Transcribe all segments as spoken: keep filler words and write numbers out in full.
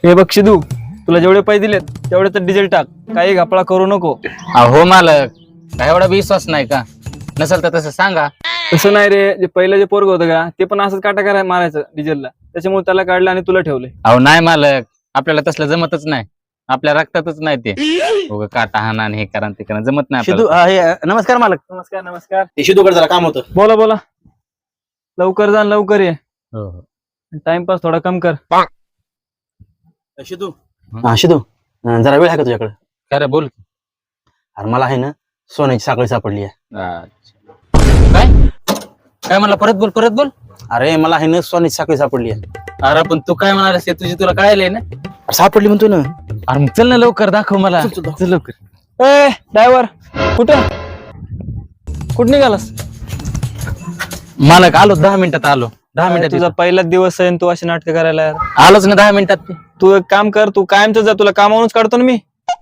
हे बघ शिदू, तुला जेवढे पैसे दिलेत तेवढे तर डिझेल टाक, काही घपळा करू नको. अहो मालक, काय एवढा विश्वास नाही का? नसेल तर तसं सांगा. तसं नाही रे, जे पहिलं जे पोरग होतं का ते पण असंच काटा करायला मारायचं डिझेलला, त्याच्यामुळे त्याला काढलं आणि तुला ठेवले. अहो नाही मालक, आपल्याला तसलं जमतच नाही, आपल्या रक्तातच नाही ते. उगा काटा हाना आणि हे करा ते करा जमत नाही शिदू आपल्याला. अं, हे, नमस्कार मालक. नमस्कार नमस्कार. ते शिदूकडे जरा काम होतं. बोला बोला. लवकर जा आणि लवकर ये, हो हो. टाइमपास थोडा कम कर. शिदू हा शिदू अं, जरा वेळ आहे का तुझ्याकडे? खरं बोल. अरे मला आहे ना सोन्याची साखळी सापडली आहे. अच्छा. काय काय म्हणला? परत बोल, परत बोल. अरे मला आहे ना सोन्याची साखळी सापडली आहे. अरे पण तू काय म्हणालास ते तुझी तुला कळायलंय ना? अरे सापडली म्हणतो ना. अरे मग चल ना लवकर, दाखव मला. चल, चल, दाखव. चल लवकर. ए ड्रायव्हर, कुठं कुठं निघालास? मालक आलो, दहा मिनिटात आलो. दहा काय मिनिटात तुझा येतो. पहिलाच दिवस आहे आणि तू अशी नाटकं करायला यार. आलोच ना दहा मिनिटात. तू एक काम कर, तू कायमच जा, तुला कामावरूनच काढतो ना मी.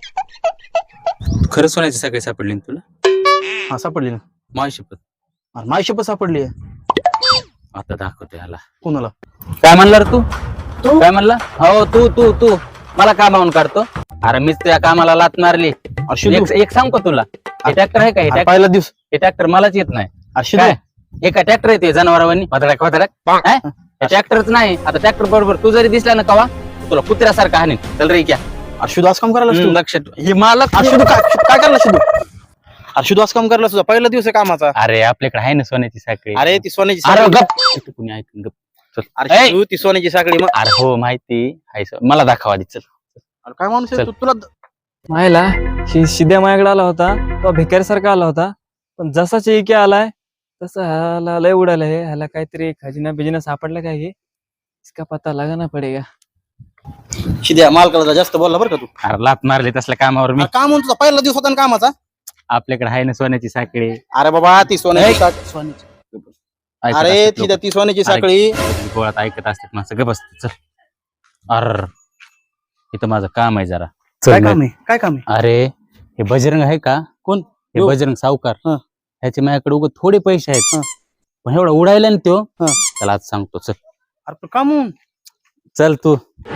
खरं सोन्याची सगळी सापडली ना तुला? हा सापडली ना. माझी शपथ. अरे माझी शपथ सापडली आहे. आता दाखवते ह्याला. कोणाला? काय म्हणला रे तू? तू काय म्हणला? हो तू तू तू मला कामावून काढतो? अरे मीच त्या कामाला लात मारली. अरे शिदू एक एक सांग का तुला, हे ट्रॅक्टर आहे का? हे अरे ट्रॅक्टर पहिला दिवस. हे ट्रॅक्टर मलाच येत नाही. अरे शिदू काय एका ट्रॅक्टर येते जनावरांनी भदडक भदडक. ट्रॅक्टरच नाही. आता ट्रॅक्टर बरोबर तू जरी दिसला ना कवा, तुला कुत्र्यासारखा हानी. चल रे क्या. अरे शिदू असं काम करायला तू? लक्ष ठेव. हे मालक. अरे शिदू काय काय करला शिदू? अरे शिदू असं काम करायला तुझा पहिला दिवस आहे कामाचा. अरे आपल्याकडे आहे ना सोन्याची साखळी. अरे ती सोन्याची अरे साखळी. गप. इथं कुणी ऐकून गप. चल. अरे ए! शिदू ती सोन्याची साखळी मग. अरे हो माहिती आहे सर. मला दाखवा आधी. चल. अरे काय माणूस आहे चल. तू? तुला मायला शि- शिद्या माझ्याकडे आला होता, तो भिकारीसारखा आला होता, पण जसा चिके आलाय तसा ह्याला लय उडाला. हे ह्याला काहीतरी खजिना बिजिना सापडला काय, हे इसका पता लगाना पडेगा. शिद्या मालकाला जरा जास्त बोलला बरं का तू. अरे लात मारली तसल्या कामावर मी. अरे काम म्हणून तुझा पहिला दिवस होता ना कामाचा. आपल्याकडे आहे ना सोन्याची साखळी. अरे बाबा ती सोन्याची साखळी सोन्याची. ऐकत अरे असतात ती लोकं. ती सोन्याची साखळी. गोळात ऐकत असतात माणसं. गप बस चल. अर इथं माझं काम आहे जरा. काय काम आहे? काय काम आहे? अरे हे बजरंग आहे का? कोण? हे यो. बजरंग सावकार. हं. ह्याचे माझ्याकडे उगत थोडे पैसे आहेत. हं. पण एवढा उडायला ना त्यो. हं. त्याला आज सांगतो. चल अरे पण काम म्हणून. चल तू.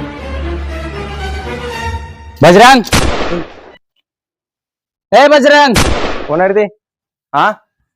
बजरंग, ए बजरंग. कोण आहे रे ते? हा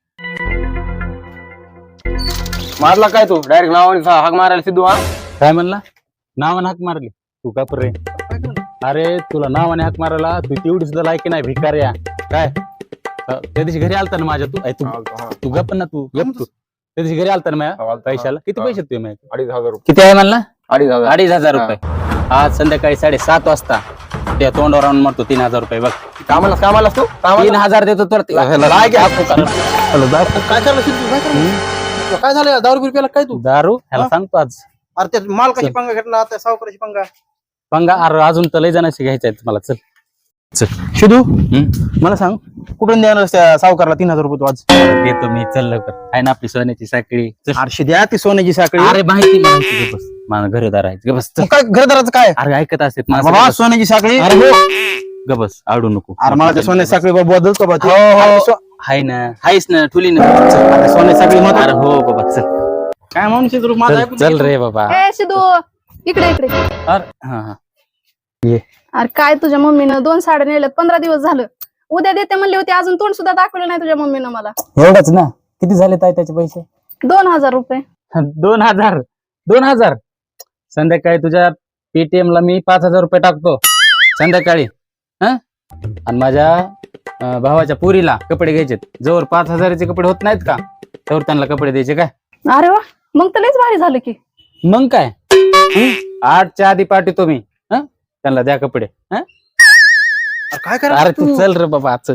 मारला काय तू डायरेक्ट नावाने हाक मारायला सिद्धू? हा काय म्हणला? नावाने हाक मारली? तू का रे? अरे तुला नावाने हाक मारायला तू तेवढी सुद्धा लायकी नाही भिकाऱ्या. काय अ, त्या दिवशी घरी आलता ना माझ्या तू? ऐ, तू तू गप ना तू गप तू. त्या दिवशी घरी आलता ना माझ्या पैशाला? किती पैसे तुझे माझ्या? अडीच हजार रुपये. किती आहे म्हणला? अडीच हजार. अडीच हजार रुपये. आज संध्याकाळी साडेसात वाजता त्या तोंडावर आणून मारतो तीन हजार रुपये. बघ कामाला कामाला तू तीन हजार देतो तर ते- लाय की हाक पुकार. काय चाललं सिद्धू? काय चाललं? काय झालं? दारू बिरू प्यायला काय तू? दारू ह्याला हा? सांगतो आज. अरे त्या मालकाची पंगा घेतला आता सावकाराची पंगा. पंगा अरे अजून तर लय जणांशी घ्यायचं आहे मला. चल चल. शिदू हम्म? मला सांग कुठून देणार त्या सावकारला तीन हजार रुपये तू आज? देतो मी. चल लवकर. आहे ना आपली सोन्याची साखळी. चल. आरशे द्या ती सोन्याची साखळी. अरे माहिती माहिती. गप बस. माझं घरदार आहे. गप बस. चल. मग काय घरदाराचं काय? अरे ऐकत असते बाबा सोन्याची साखळी. अरे हो. गप बस. आवडू नको. अरे मला त्या सोन्याची साखळी बदल का बा तू? हो, हो. अरे सो- हाय ना. हायस ना. ठुली ना. चल. अरे सोन्याची साखळी मग अरे हो बाबा. चल काय माणूस आहे तू? माझं चल ऐकून चल घे. रे बाबा. ए सिद्धू, इकडे इकडे. अरे हा हा. अरे काय तुझ्या मम्मीनं दोन साड्या नेल्यात, पंधरा दिवस झालं. उद्या देते म्हणली होती, अजून तोंड सुद्धा दाखवलं नाही तुझ्या मम्मीनं मला. एवढंच ना? किती झाले ताई त्याचे पैसे? दोन हजार रुपये. दोन हजार. दोन हजार. संध्याकाळी तुझ्या पेटीएम ला मी पाच हजार रुपये टाकतो संध्याकाळी. हा आणि माझ्या अं, भावाच्या पुरीला कपडे घ्यायचे. जवळ पाच हजाराचे कपडे होत नाहीत का, तर त्यांना कपडे द्यायचे. काय अरे वा, मग तर लयच भारी झालं की. मग काय? हं? आठच्या आधी पाठवतो मी. हं? त्यांना द्या कपडे. हं? अरे काय करा अरे तू चल रे बाबा. चल.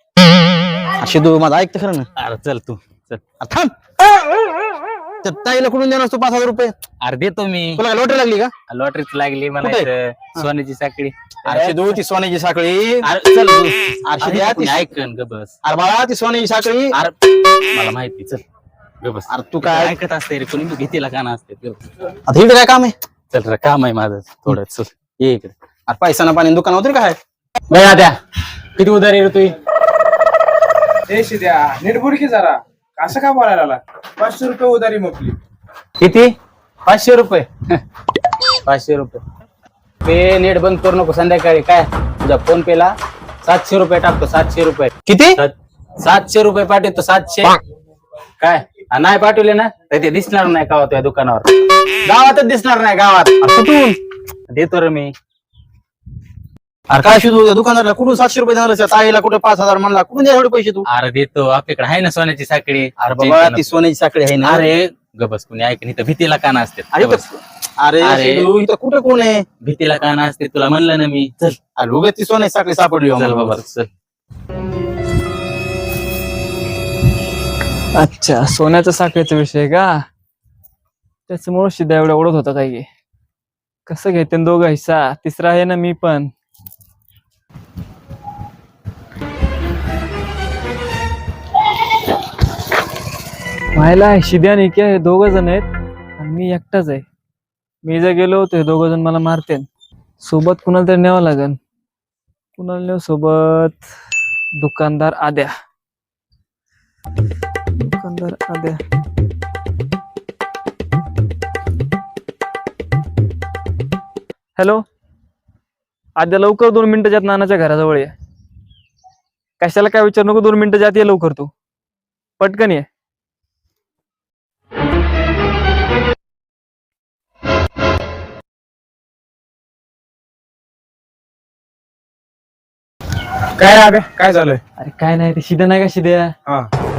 शिदू माझं ऐकतं खरं ना? अरे चल तू चल. अरे थांब. त्या ताईला कुठून देणार तू पाच हजार रुपये? अरे देतो मी. तुला काय लॉटरी लागली का? लॉटरीच लागली म्हणायचं. सोन्याची साखळी. अरे शिदू ती सोन्याची साखळी. अरे चल तू. अरे अरे द्या ती- ऐकन ग बस. अरे बाळा ती सोन्याची साखळी. अरे मला माहिती. चल ग बस. अरे तू काय ऐकत असते रे कोणी भीतीला काना असते. चल. आता इकडे काय काम आहे? चल रे काम आहे माझं थोडं. चल ये इकडे. अरे पैसा ना पाणी दुकान होतं रे काय? बया द्या. किती उधारी रे तुझी? देशी द्या नीट बोल की जरा. असं का बोलायला लागला? पाचशे रुपये उधारी मोकली. किती? पाचशे रुपये. पाचशे रुपये. पे नेट बंद करू नको संध्याकाळी. काय तुझ्या फोन पे ला सातशे रुपये टाकतो. सातशे रुपये किती? सात- सातशे रुपये पाठवतो. सातशे काय आणि नाही पाठवले ना तर ते दिसणार नाही गावात या दुकानावर. गावातच दिसणार नाही गावात. कुठून? देतो रे मी. अरे काय शिकू दुकानाला कुठून सातशे रुपये झालं? ताईला कुठे पाच हजार म्हणला कुठून द्या एवढे पैसे तू? अरे देतो आपल्याकडे आहे ना सोन्याची साखळी. अरे बाबा ती सोन्याची साखळी आहे ना. अरे गबस कुणी ऐक नाही तर भीतीला काना असते. अरे तर- अरे अरे. शिदू, इथं कुठे कोण आहे? भीतीला काना असते तुला म्हणलं ना मी. चल अरे उगाच ती सोन्याची साखळी सापडली हो चल मला. बाबा चल. अच्छा, सोन्याचा साखळीचा विषय का? त्याच्यामुळे शिद्या एवढा ओढत होता काय की कसं घेते दोघं हिस्सा? तिसरा आहे ना मी पण. व्हायला शिद्या आणि इक्या हे दोघ जण आहेत आणि मी एकटाच आहे. मी जर गेलो तर हे दोघ जण मला मारते. सोबत कुणाला तरी न्यावं लागेल. कुणाला नेऊ सोबत? दुकानदार आद्या. दुकानदार आद्या. हॅलो आद्या, लवकर दोन मिनिटाच्या आत नानाच्या घराजवळ ये. कशाला काय विचार नको, दोन मिनिटाच्या आत ये लवकर तू. पटकन ये. काय राग काय झालंय? अरे काय नाही, ते शिद्या नाही का शिद्या? हा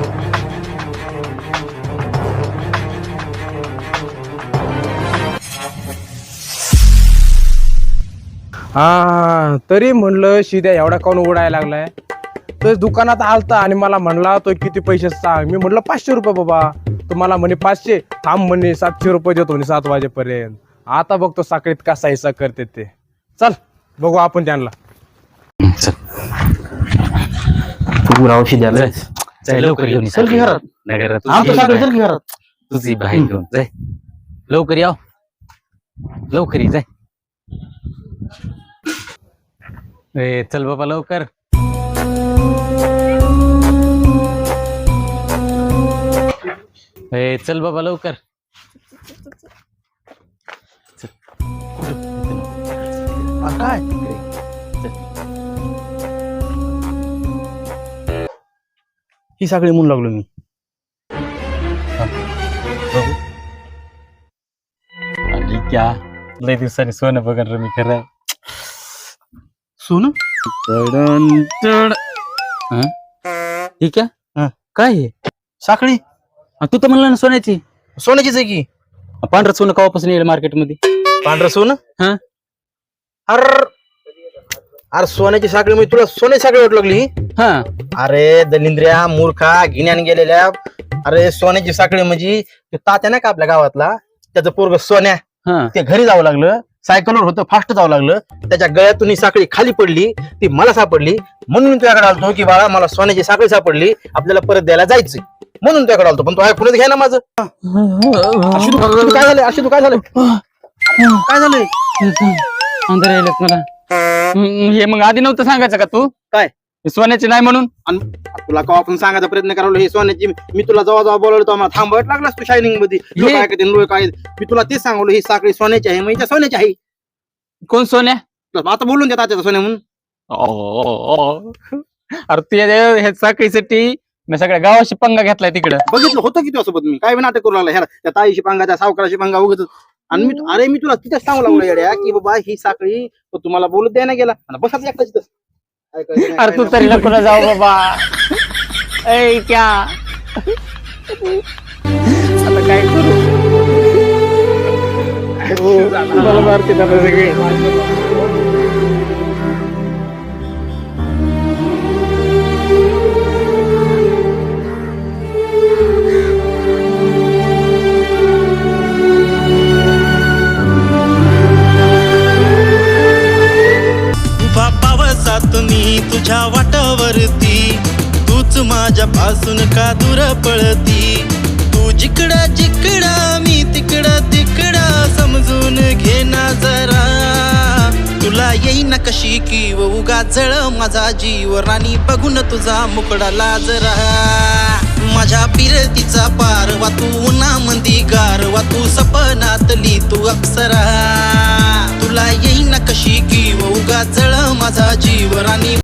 हा तरी म्हणलं शिद्या एवढा काऊन उडायला लागलाय. तर दुकानात आलता आणि मला म्हणला तो किती पैसे सांग. मी म्हणलं पाचशे रुपये बाबा. तुम्हाला म्हणे पाचशे, थांब म्हणे सातशे रुपये देतो म्हणे सात वाजेपर्यंत. आता बघतो साखळीत कसा हिस्सा करते ते. चल बघू आपण त्यांना. तू रावशी द्यायला जाय लवकर घेऊन ये. चल की घरात. नाही घरात आमचं तुझी साखळी चल की घरात. तुझी बाहेर घेऊन जाय. लवकर याव. लवकर ये जाय. ए चल बाबा लवकर. ए चल बाबा लवकर. अरे काय? ही साखळी म्हणून लागलो मी. आणि क्या लय दिवसांनी सोनं बघन रे मी खरं. सोनं? ठीक आहे. हा. काय हे? साखळी हा, तू तर म्हणला ना सोन्याची. सोन्याचीच आहे की. पांढरं सोनं कवापासून येईल मार्केटमध्ये? पांढरं सोनं? हा. अरे अरे सोन्याची साखळी म्हणजे तुला सोन्याची साखळी वाट लागली? हा अरे दलिंद्र्या मूर्खा गिन्यान गेलेल्या. अरे सोन्याची साखळी म्हणजे ते तात्या नाही का आपल्या गावातला, त्याचं पोरग सोन्या, हा ते घरी जावं लागलं, सायकलवर होतं, फास्ट जावं लागलं, त्याच्या गळ्यातून ही साखळी खाली पडली, ती मला सापडली. म्हणून मी तुझ्याकडे आलतो की बाळा मला सोन्याची साखळी सापडली, आपल्याला परत द्यायला जायचंय. म्हणून तुझ्याकडे आलतो. पण तू ऐकूनच घ्या ना माझं. अशी तू- अशी तू काय झालंय? अशी तू काय झालंय? काय झालंय? अंधार यायलेत मला. हम्म, हे मग आधी नव्हतं सांगायचं का तू? काय? हे सोन्याचे नाही म्हणून. आणि तुला का आपण सांगायचा प्रयत्न करावं हे सोन्याची. मी तुला जेव्हा जेव्हा बोलवलं तेव्हा मला थांबवत लागलास तू शायनिंग मध्ये. लोक हे- ऐकतील, लोक काय. मी तुला तेच सांगलो ही साखळी सोन्याची आहे, म्हणजे सोन्याची आहे. कोण सोन्या? आता बोलून देतात त्याचा सोन्या म्हणून. ओ, अरे तू या- ह्या साखळीसाठी मी सगळ्या गावाशी पंगा घेतलाय तिकडं. बघितलं होतं की तुझ्यासोबत मी काय बी नाटक करू लागला ह्या त्या ताईशी पंगा, त्या सावकाराशी पंगा उगत. आणि मी अरे मी तुला तिथेच सांगू लागलो येड्या की बाबा ही साखळी तो तुम्हाला बोलत द्यायला गेला आणि बसाच एकटाच तिथं. ऐकायचं नाही, अरे तू काय तरी नाही. नको ना जाऊ बाबा. ऐ क्या आता काय करू? मला मारते ना सगळे. उभा पावसात मी तुझ्या वाटावरती, तूच माझ्यापासून का दूर पळती. तू जिकडं जिकडं मी तिकडं तिकडं, समजून घे ना जरा. तुला येईना कशी की उगा जळ माझा जीव, राणी बघून तुझा मुकडा लाजरा. माझ्या पिरतीचा पार वा तू उन्हामंदी गार वा तू सपनातली तू अप्सरा. तुला येईना कशी पाठीशी की उगा जळ माझा जीव राणी